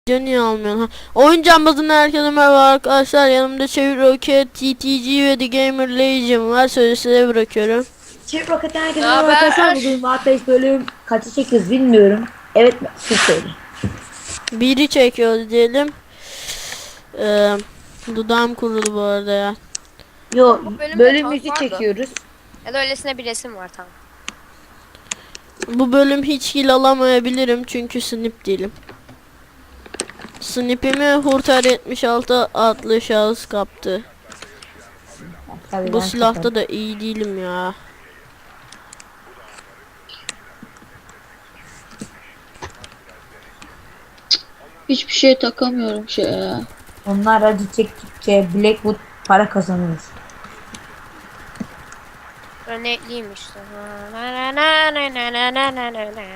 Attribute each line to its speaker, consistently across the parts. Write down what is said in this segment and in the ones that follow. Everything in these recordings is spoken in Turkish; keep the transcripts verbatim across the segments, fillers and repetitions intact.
Speaker 1: Niye almıyorsun? Ha. Oyun cambazından herkese merhaba arkadaşlar. Yanımda Çevir Roket, T T G ve The Gamer Legion var. Sözü size bırakıyorum.
Speaker 2: Çevir Roket'ten herkese merhaba arkadaşlar. Bugün Wattpage bölüm kaçı çekiyoruz bilmiyorum. Evet, siz söyleyin.
Speaker 1: Biri çekiyoruz diyelim. Ee, dudağım kurudu bu arada ya.
Speaker 2: Yo,
Speaker 3: bölümde
Speaker 2: bölümümüzü
Speaker 3: tank vardı.
Speaker 2: çekiyoruz.
Speaker 3: Ya da öylesine bir resim var tamam.
Speaker 1: Bu bölüm hiç kill alamayabilirim çünkü snip değilim. Snipimi Hurtar yetmiş altı adlı şahıs kaptı.
Speaker 2: Tabii
Speaker 1: Bu
Speaker 2: ben
Speaker 1: silahta
Speaker 2: kapadım.
Speaker 1: da iyi değilim ya.
Speaker 4: Hiçbir şey takamıyorum şey ya.
Speaker 2: Onlar acı çektikçe Blackwood para kazanıyor.
Speaker 3: Örnekliyim işte. Na na na na na na na na na.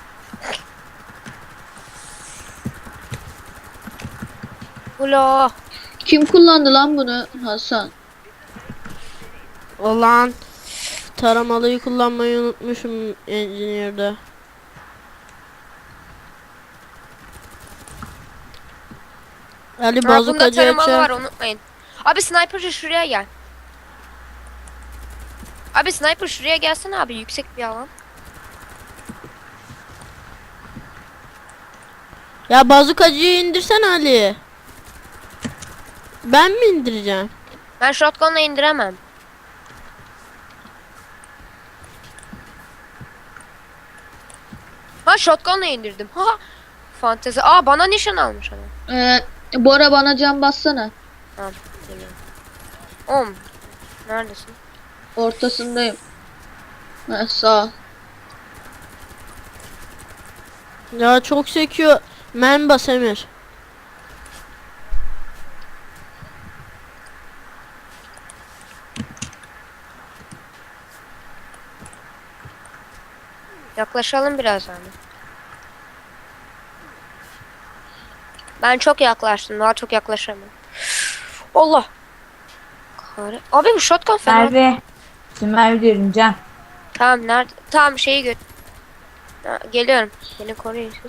Speaker 3: Ulo.
Speaker 4: Kim kullandı lan bunu? Hasan.
Speaker 1: Olan taramalıyı kullanmayı unutmuşum Engineer'da. Ali
Speaker 3: Ha, bunda
Speaker 1: bazukacı
Speaker 3: taramalı var
Speaker 1: açar.
Speaker 3: unutmayın. Abi sniper'cı şuraya gel. Abi sniper şuraya gelsene abi yüksek bir alan.
Speaker 1: Ya bazukacıyı indirsen Ali. Ben mi indireceğim?
Speaker 3: Ben shotgun'la indiremem. Ha shotgun'la indirdim. Ha. Fantezi. Aa bana nişan almış adam.
Speaker 4: Ee, Bora bana can bassana.
Speaker 3: Tamam. Geliyorum. Om. Neredesin?
Speaker 4: Ortasındayım. Ha, sağ ol.
Speaker 1: Ya çok sekiyor. Men bas Emir.
Speaker 3: Yaklaşalım biraz yani. Ben çok yaklaştım. Daha çok yaklaşamam. Allah. Kare. Abi bu shotgun fena.
Speaker 2: Merve. Şimdi Merve diyorum Can.
Speaker 3: Tamam nerede? Tamam şeyi göt. Ha, geliyorum. Beni koruyun siz.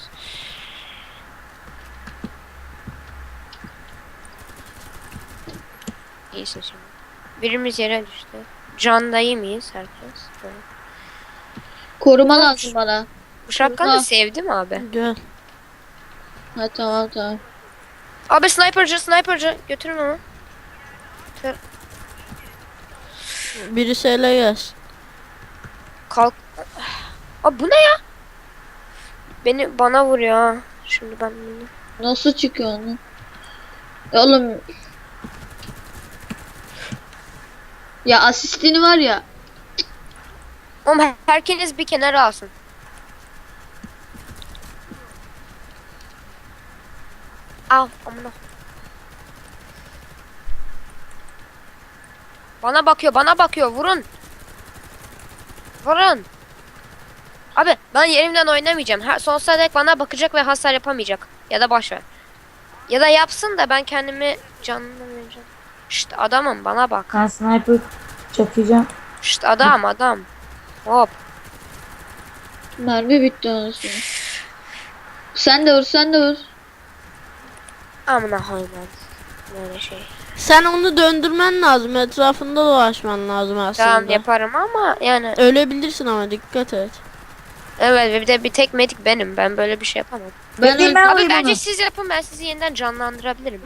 Speaker 3: İyisin şimdi. Birimiz yere düştü. Canda iyi miyiz herkes? Böyle.
Speaker 4: Koruma lazım bana.
Speaker 3: Bu shotgun'ı
Speaker 4: Burada.
Speaker 3: sevdim abi.
Speaker 1: Gel.
Speaker 4: Ha tamam tamam.
Speaker 3: Abi sniper'cı sniper'cı götürün onu.
Speaker 1: Birisi ele gelsin.
Speaker 3: Kalk. Abi bu ne ya? Beni bana vuruyor ha. Şimdi ben bunu.
Speaker 4: Nasıl çıkıyor onu? Ya oğlum. Ya asistini var ya.
Speaker 3: Oğlum herkes bir kenara alsın. Al amına. Bana bakıyor, bana bakıyor. Vurun. Vurun. Abi ben yerimden oynamayacağım. Her sonsuza dek bana bakacak ve hasar yapamayacak. Ya da boş ver. Ya da yapsın da ben kendimi canını vereceğim. Şşt adamım bana bak.
Speaker 2: Ben sniper çakacağım.
Speaker 3: Şşt adam adam. Hop.
Speaker 4: Mermi bitti anasını. Sen de vur sen de vur.
Speaker 3: Amına hayvan. Böyle şey.
Speaker 1: Sen onu döndürmen lazım. Etrafında dolaşman lazım aslında.
Speaker 3: Tamam yaparım ama yani.
Speaker 1: Ölebilirsin ama dikkat et.
Speaker 3: Evet bir de bir tek medik benim. Ben böyle bir şey yapamam.
Speaker 4: Ben
Speaker 2: Bekleyin,
Speaker 4: öl-
Speaker 2: ben
Speaker 3: Abi
Speaker 2: vurayım
Speaker 3: bence
Speaker 2: onu.
Speaker 3: siz yapın ben sizi yeniden canlandırabilirim.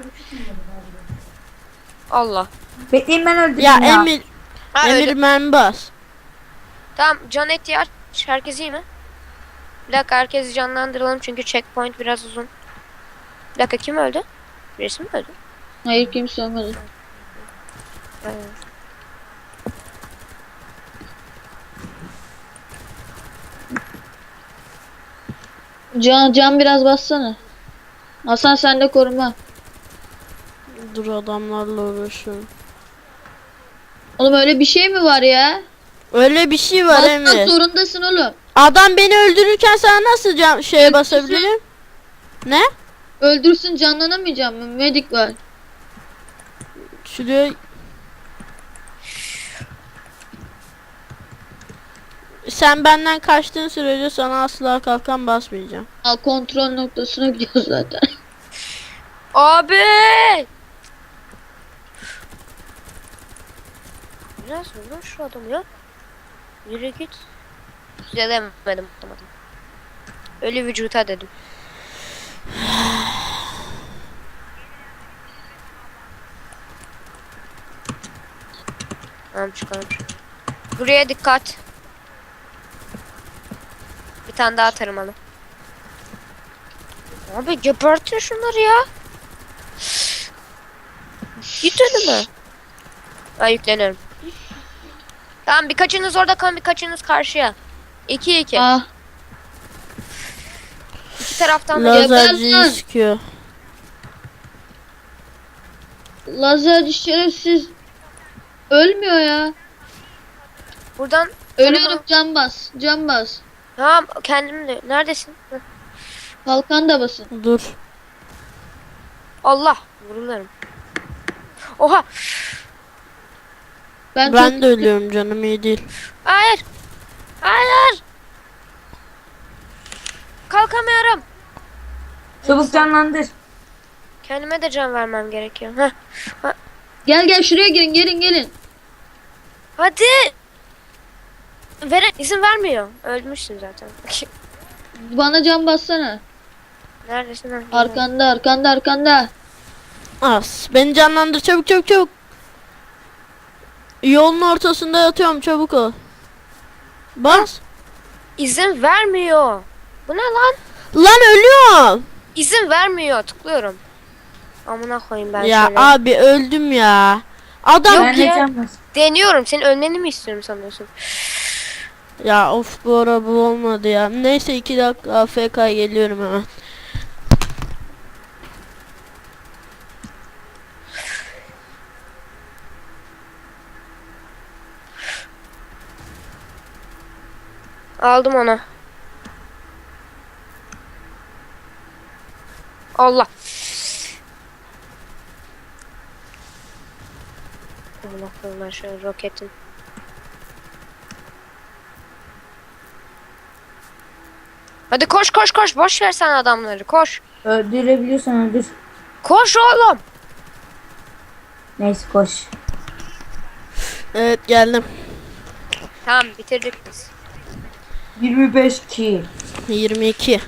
Speaker 3: Allah.
Speaker 2: Bekleyin ben öldüreyim
Speaker 1: Ya,
Speaker 2: ya.
Speaker 1: Emir,
Speaker 3: Ha,
Speaker 1: Emir
Speaker 3: öyle.
Speaker 1: men bas.
Speaker 3: Tamam can eti aç. Herkes iyi mi? Bir dakika herkesi canlandıralım çünkü checkpoint biraz uzun. Bir dakika kim öldü? Birisi mi öldü?
Speaker 4: Hayır kimse olmadı.
Speaker 3: Evet.
Speaker 4: Can can biraz bassana. Hasan sen de koruma.
Speaker 1: Dur adamlarla uğraşıyorum.
Speaker 4: Oğlum öyle bir şey mi var ya?
Speaker 1: Öyle bir şey var
Speaker 4: Basmak
Speaker 1: Emir.
Speaker 4: zorundasın oğlum.
Speaker 1: Adam beni öldürürken sana nasıl can şeye basabilirim? Ne?
Speaker 4: Öldürsün canlanamayacağım mı? Medik var.
Speaker 1: Şuraya... Sen benden kaçtığın sürece sana asla kalkan basmayacağım.
Speaker 4: Al kontrol noktasına gidiyoruz zaten.
Speaker 3: Abi! Biraz vurun şu adamı ya. Yürü git. Düzelemedim atamadım. Ölü vücuta dedim. Tamam çıkalım. Buraya dikkat. Bir tane daha tarımalı. Abi gebertin şunları ya. Git önüme. Ben yükleniyorum. Tamam birkaçınız orada kalın, birkaçınız karşıya. İki iki.
Speaker 4: Ah.
Speaker 3: İki taraftan da
Speaker 1: Lazerciyi
Speaker 4: Geber lan.
Speaker 1: sıkıyor.
Speaker 4: Lazerci şerefsiz. Ölmüyor ya.
Speaker 3: buradan
Speaker 4: Ölüyorum, can bas. Can bas.
Speaker 3: tamam kendim de. Neredesin? Hı.
Speaker 4: Kalkan da basın.
Speaker 1: Dur.
Speaker 3: Allah vurularım. Oha.
Speaker 4: Ben,
Speaker 1: Ben
Speaker 4: çok
Speaker 1: de ölüyorum, canım iyi değil.
Speaker 3: Hayır. Hayır. Kalkamıyorum.
Speaker 2: Çabuk canlandır.
Speaker 3: Kendime de can vermem gerekiyor. Heh.
Speaker 4: Gel gel şuraya girin, gelin gelin.
Speaker 3: Hadi. Veren izin vermiyor. Ölmüşsün zaten.
Speaker 4: Bana can bassana.
Speaker 3: Neredesin? lan?
Speaker 4: Arkanda arkanda arkanda.
Speaker 1: As. Beni canlandır, çabuk çabuk çabuk. Yolun ortasında yatıyorum, çabuk ol. Bas.
Speaker 3: İzin vermiyor. Bu ne lan?
Speaker 1: Lan ölüyorum.
Speaker 3: İzin vermiyor. Tıklıyorum. Amına koyayım ben
Speaker 1: Ya
Speaker 3: şöyle.
Speaker 1: abi öldüm ya. Adam
Speaker 3: Yok
Speaker 2: Ben de
Speaker 3: ya.
Speaker 2: can bas.
Speaker 3: Deniyorum. Senin ölmeni mi istiyorum sanıyorsun?
Speaker 1: ya of, bu ara bu olmadı ya. Neyse iki dakika A F K geliyorum hemen.
Speaker 3: Aldım onu. Allah. Amına koyayım ben şöyle roketin. Hadi koş koş koş. Boş ver sen adamları. Koş.
Speaker 2: Öldürebiliyorsan öldür.
Speaker 3: Koş oğlum.
Speaker 2: Neyse koş.
Speaker 1: Evet geldim.
Speaker 3: Tamam bitirdik biz.
Speaker 2: yirmi beş kill.
Speaker 1: yirmi iki.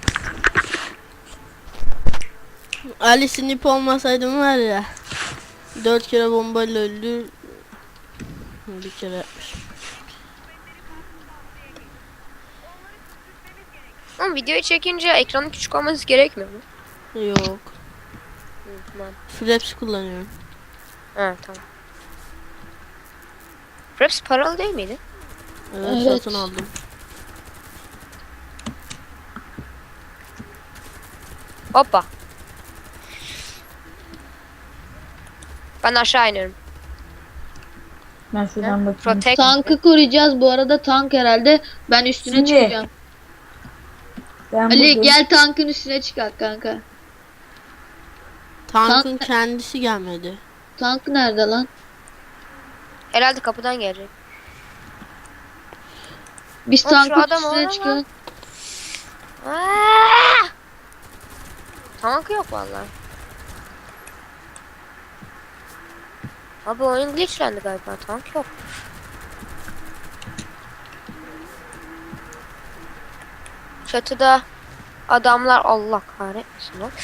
Speaker 1: Ali Snip olmasaydım var ya. dört kere bombayla öldü. Bir kere yapmış.
Speaker 3: Oğlum videoyu çekince ekranın küçük olması gerekmiyor mu?
Speaker 1: Yok.
Speaker 3: Hı, tamam.
Speaker 1: Flaps kullanıyorum.
Speaker 3: Ha tamam. Fraps paralı değil miydi?
Speaker 1: Evet,
Speaker 4: Evet.
Speaker 1: satın aldım.
Speaker 3: Hoppa. Ben aşağı iniyorum.
Speaker 2: Ben şuradan bakayım.
Speaker 3: Protect.
Speaker 4: Tankı koruyacağız bu arada, tank herhalde. Ben üstüne
Speaker 2: Şimdi,
Speaker 4: çıkacağım.
Speaker 2: Ben
Speaker 4: Ali
Speaker 2: buradayım.
Speaker 4: gel tankın üstüne çıkar kanka.
Speaker 1: Tankın
Speaker 4: Tank-
Speaker 1: kendisi gelmedi.
Speaker 4: Tank nerede lan?
Speaker 3: Herhalde kapıdan gelecek.
Speaker 4: Biz
Speaker 3: Oğlum şu
Speaker 4: tankın
Speaker 3: adam
Speaker 4: üstüne
Speaker 3: orada
Speaker 4: çıkalım.
Speaker 3: Aa! Tank yok vallahi. Abi oyun glitchlendi galiba. Tank yok. Çatıda adamlar, Allah kahretmesin lan.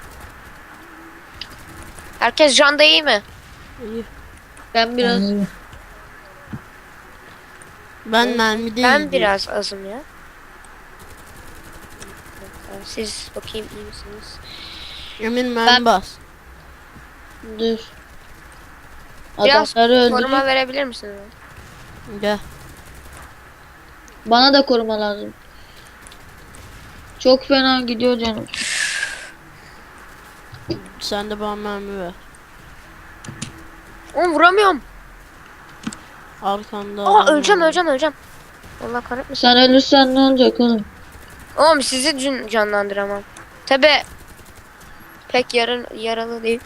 Speaker 3: Herkes canda iyi mi?
Speaker 1: İyi.
Speaker 4: Ben biraz
Speaker 2: Yani
Speaker 1: Ben mermi değil.
Speaker 3: Ben biraz azım ya. Siz bakayım iyi misiniz?
Speaker 1: Emin mermi
Speaker 4: Ben-
Speaker 1: bas.
Speaker 4: dur.
Speaker 3: Biraz
Speaker 4: Adamları
Speaker 3: koruma
Speaker 4: öldürüp
Speaker 3: verebilir misiniz?
Speaker 1: Gel.
Speaker 4: bana da koruma lazım. Çok fena gidiyor canım.
Speaker 1: Sen de bana mermi ver.
Speaker 3: Oğlum vuramıyorum.
Speaker 1: Arkanda.
Speaker 3: Aa
Speaker 1: adam
Speaker 3: öleceğim
Speaker 1: var.
Speaker 3: öleceğim öleceğim. Allah kahretmesin.
Speaker 4: Sen ölürsen ne olacak oğlum?
Speaker 3: Oğlum sizi can- canlandıramam. Tabi pek yarın yaralı değil.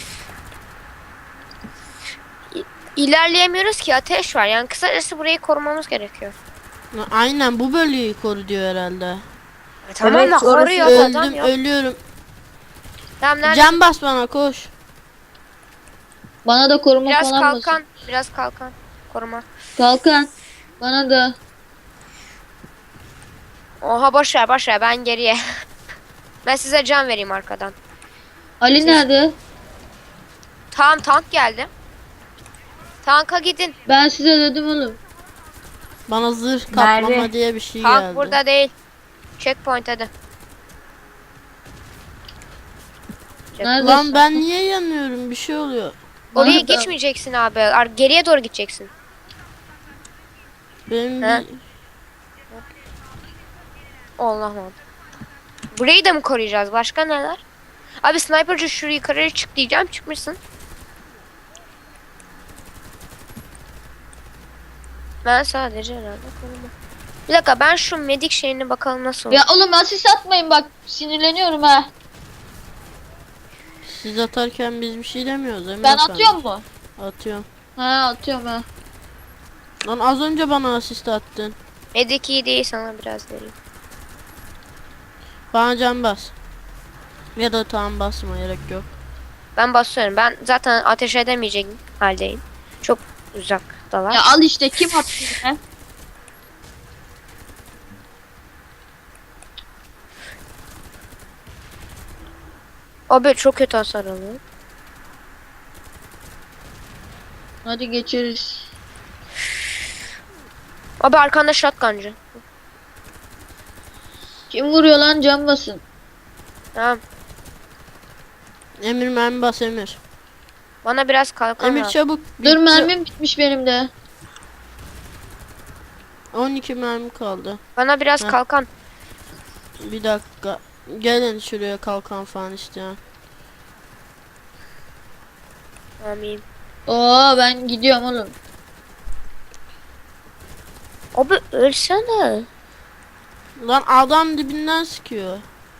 Speaker 3: İ- İlerleyemiyoruz ki, ateş var. Yani kısacası burayı korumamız gerekiyor.
Speaker 1: Aynen, bu bölgeyi koru diyor herhalde.
Speaker 3: E, tamam
Speaker 2: Evet,
Speaker 3: da
Speaker 2: orası
Speaker 3: koruyor adam
Speaker 1: Öldüm,
Speaker 3: yok.
Speaker 1: ölüyorum.
Speaker 3: Tamam nerede?
Speaker 1: Can bas bana koş.
Speaker 4: Bana da koruma
Speaker 3: Biraz
Speaker 4: falan
Speaker 3: kalkan.
Speaker 4: basın.
Speaker 3: Biraz kalkan. Koruma.
Speaker 4: Kalkan. Bana da.
Speaker 3: Oha boş ver boş ver ben geriye. Ben size can vereyim arkadan.
Speaker 4: Ali
Speaker 3: Siz-
Speaker 4: nerede?
Speaker 3: Tamam tank geldi. Tanka gidin.
Speaker 4: Ben size dedim oğlum.
Speaker 1: Bana zırh kaplama
Speaker 2: Nerede?
Speaker 1: diye bir şey
Speaker 3: Tank
Speaker 1: geldi.
Speaker 3: burada değil. Checkpoint hadi.
Speaker 4: Neredesin?
Speaker 1: Lan ben niye yanıyorum? Bir şey oluyor.
Speaker 3: Oraya
Speaker 4: Bana da-
Speaker 3: geçmeyeceksin abi. Ar- Geriye doğru gideceksin.
Speaker 1: Benim
Speaker 3: He?
Speaker 1: bir...
Speaker 3: Allah'ım. Burayı da mı koruyacağız? Başka neler? Abi sniperci şurayı yukarıya çık diyeceğim. Çıkmışsın. Ben sadece herhalde koruma. Bir dakika ben şu medik şeyini bakalım nasıl olur.
Speaker 4: Ya oğlum asist atmayın bak. Sinirleniyorum ha.
Speaker 1: Siz atarken biz bir şey demiyoruz. Emir
Speaker 4: Ben
Speaker 1: efendi.
Speaker 4: atıyorum mu?
Speaker 1: Atıyorum.
Speaker 4: Ha atıyorum ha.
Speaker 1: Lan az önce bana asist attın.
Speaker 3: Medik iyi değil sana biraz vereyim.
Speaker 1: Bana can bas. Ya da tamam basma gerek yok.
Speaker 3: Ben basıyorum. Ben zaten ateş edemeyecek haldeyim. Çok uzaktalar.
Speaker 4: Ya al işte kim attı yine?
Speaker 3: Abi çok kötü hasar alıyor.
Speaker 4: Hadi geçeriz.
Speaker 3: Abi arkanda shotguncı.
Speaker 4: Kim vuruyor lan cam basın.
Speaker 3: Tamam.
Speaker 1: Emir mermi bas Emir.
Speaker 3: Bana biraz kalkan
Speaker 1: Emir
Speaker 3: lazım.
Speaker 1: çabuk.
Speaker 4: Dur
Speaker 1: bitti.
Speaker 4: mermim bitmiş benim de.
Speaker 1: on iki mermi kaldı.
Speaker 3: Bana biraz
Speaker 1: Heh.
Speaker 3: kalkan.
Speaker 1: Bir dakika. Gelin şuraya kalkan falan isteyen.
Speaker 3: Amin.
Speaker 4: Oo ben gidiyorum oğlum.
Speaker 3: Abi ölsene.
Speaker 1: Lan adam dibinden sıkıyor.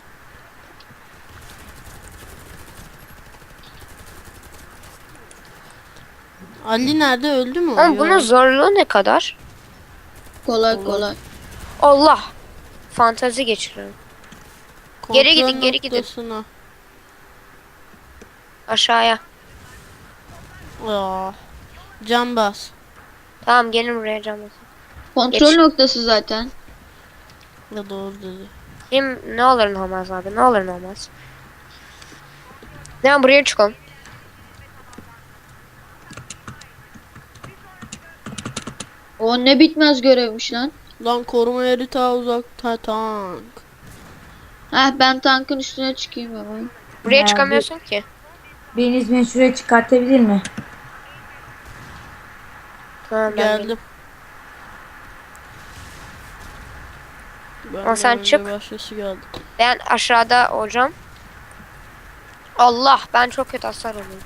Speaker 1: Ali nerede öldü mü? o?
Speaker 3: Ama bunun
Speaker 1: Yok.
Speaker 3: zorluğu ne kadar?
Speaker 4: Kolay
Speaker 1: Olur.
Speaker 4: kolay.
Speaker 3: Allah. Fantazi geçiriyorum. Geri
Speaker 1: Kontrol
Speaker 3: gidin, geri gidin.
Speaker 1: noktasına.
Speaker 3: Aşağıya.
Speaker 1: Aa. Can bas.
Speaker 3: Tamam gelin buraya camı.
Speaker 4: Kontrol
Speaker 3: Geç.
Speaker 4: noktası zaten.
Speaker 1: Ya doğru dedi.
Speaker 3: Kim ne olur ne olmaz abi ne olur ne olmaz. Tamam buraya çıkalım.
Speaker 4: O ne bitmez görevmiş lan.
Speaker 1: Lan koruma yeri ta uzakta tank.
Speaker 4: Heh ben tankın üstüne çıkayım ama.
Speaker 3: Buraya
Speaker 2: Ya,
Speaker 3: çıkamıyorsun ki.
Speaker 2: Biriniz beni şuraya çıkartabilir mi?
Speaker 3: Tamam ben geldim.
Speaker 1: Geldim. Ben
Speaker 3: Ama sen
Speaker 1: önce
Speaker 3: çık.
Speaker 1: Başkası geldi.
Speaker 3: Ben aşağıda hocam. Allah ben çok kötü hasar alıyorum.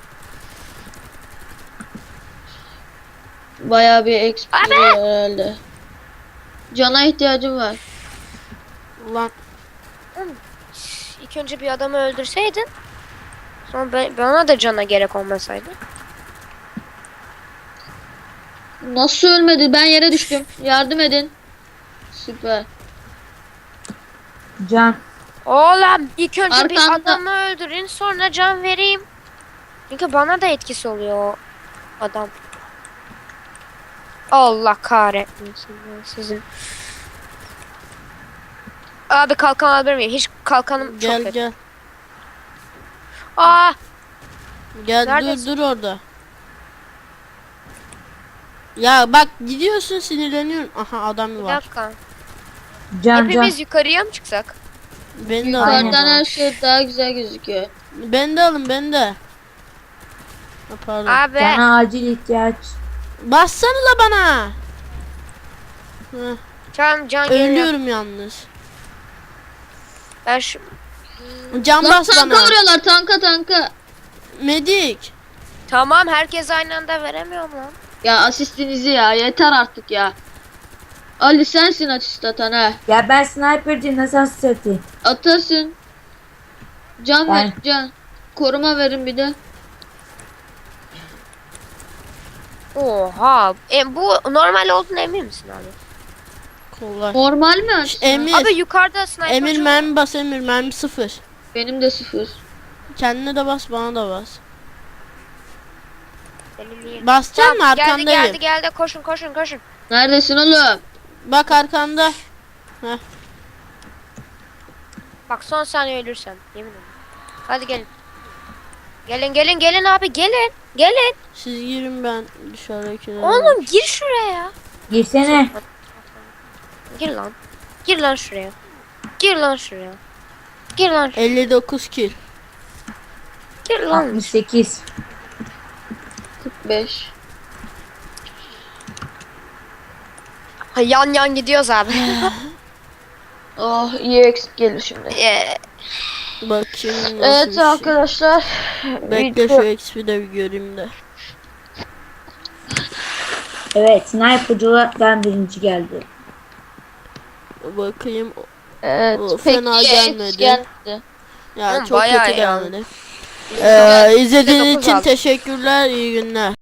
Speaker 4: Bayağı bir exp veriyor herhalde. Cana ihtiyacım var.
Speaker 1: Lan
Speaker 3: İlk önce bir adamı öldürseydin. Sonra ben, bana da cana gerek olmasaydı.
Speaker 4: Nasıl ölmedi? Ben yere düştüm. Yardım edin. Süper.
Speaker 2: Can.
Speaker 3: Oğlum ilk önce bir
Speaker 4: Arkanda.
Speaker 3: adamı öldürün sonra can vereyim. Çünkü bana da etkisi oluyor o adam. Allah kahretmesin ya sizin. Abi kalkan alabilir miyim? Hiç kalkanım çok
Speaker 1: gel
Speaker 3: kötü.
Speaker 1: gel.
Speaker 3: Aa,
Speaker 1: Gel
Speaker 3: Neredesin?
Speaker 1: dur dur orada. Ya bak gidiyorsun sinirleniyorum. Aha adam
Speaker 3: bir
Speaker 1: var.
Speaker 3: dakika.
Speaker 2: Can
Speaker 3: Hepimiz
Speaker 2: can.
Speaker 3: yukarıya mı çıksak?
Speaker 1: Beni de alın. o
Speaker 2: Aynen.
Speaker 4: Yukarıdan
Speaker 1: zaman.
Speaker 4: her şey daha güzel gözüküyor.
Speaker 1: Beni de alın beni de. Ha, pardon.
Speaker 3: Abi
Speaker 2: Cana acil ihtiyaç.
Speaker 1: Bassanıza bana. Heh,
Speaker 3: tamam can geliyor.
Speaker 1: ölüyorum yalnız.
Speaker 3: Ben şu
Speaker 1: Can
Speaker 4: Lan
Speaker 1: bas
Speaker 4: tanka
Speaker 1: bana.
Speaker 4: vuruyorlar tanka tanka.
Speaker 1: Medik.
Speaker 3: tamam herkes aynı anda veremiyorum lan.
Speaker 4: Ya asistinizi ya yeter artık ya. Ali sensin asist atan ha.
Speaker 2: Ya ben sniper'ciyim nasıl asist atayım?
Speaker 4: Atasın. Can
Speaker 2: Ben-
Speaker 4: ver can. Koruma verin bir de.
Speaker 3: Oha. E, bu normal olduğuna emin misin abi?
Speaker 1: Kolay.
Speaker 4: Normal mi asist?
Speaker 1: Emir.
Speaker 3: Abi yukarıda sniper
Speaker 1: Emir
Speaker 3: çok-
Speaker 1: mermi bas Emir mermi sıfır.
Speaker 4: Benim de sıfır.
Speaker 1: Kendine de bas, bana da bas.
Speaker 3: Benim niye?
Speaker 1: Basacağım mı?
Speaker 3: Tamam, geldi
Speaker 1: Arkandayım.
Speaker 3: geldi geldi koşun koşun koşun.
Speaker 4: Neredesin oğlum?
Speaker 1: Bak arkanda.
Speaker 3: Bak son saniye ölürsen yemin ederim. Hadi gelin. Gelin gelin gelin abi gelin. Gelin.
Speaker 1: Siz girin, ben dışarıdakilere.
Speaker 3: Oğlum gir şuraya.
Speaker 2: Girsene.
Speaker 3: Gir lan. Gir lan şuraya. Gir lan şuraya. Gir lan şuraya.
Speaker 1: elli dokuz kill.
Speaker 3: Gir lan.
Speaker 2: altmış sekiz.
Speaker 4: kırk beş.
Speaker 3: Ha, yan yan gidiyoruz abi.
Speaker 4: Oh iyi eksik gelir şimdi.
Speaker 3: Ee,
Speaker 1: Bakayım nasıl bir
Speaker 4: Evet
Speaker 1: şey.
Speaker 4: arkadaşlar.
Speaker 1: Bekle şu X P'yi de bir göreyim de.
Speaker 2: Evet, sniper'cılardan birinci geldi.
Speaker 1: Bakayım.
Speaker 4: Evet.
Speaker 1: O
Speaker 4: Peki
Speaker 1: fena
Speaker 4: X
Speaker 1: gelmedi.
Speaker 4: geldi.
Speaker 1: Ya
Speaker 3: Hı,
Speaker 1: çok
Speaker 3: bayağı
Speaker 1: kötü
Speaker 3: yani.
Speaker 1: gelmedi. Ee, izlediğiniz
Speaker 3: dokuz
Speaker 1: için
Speaker 3: aldım.
Speaker 1: teşekkürler. İyi günler.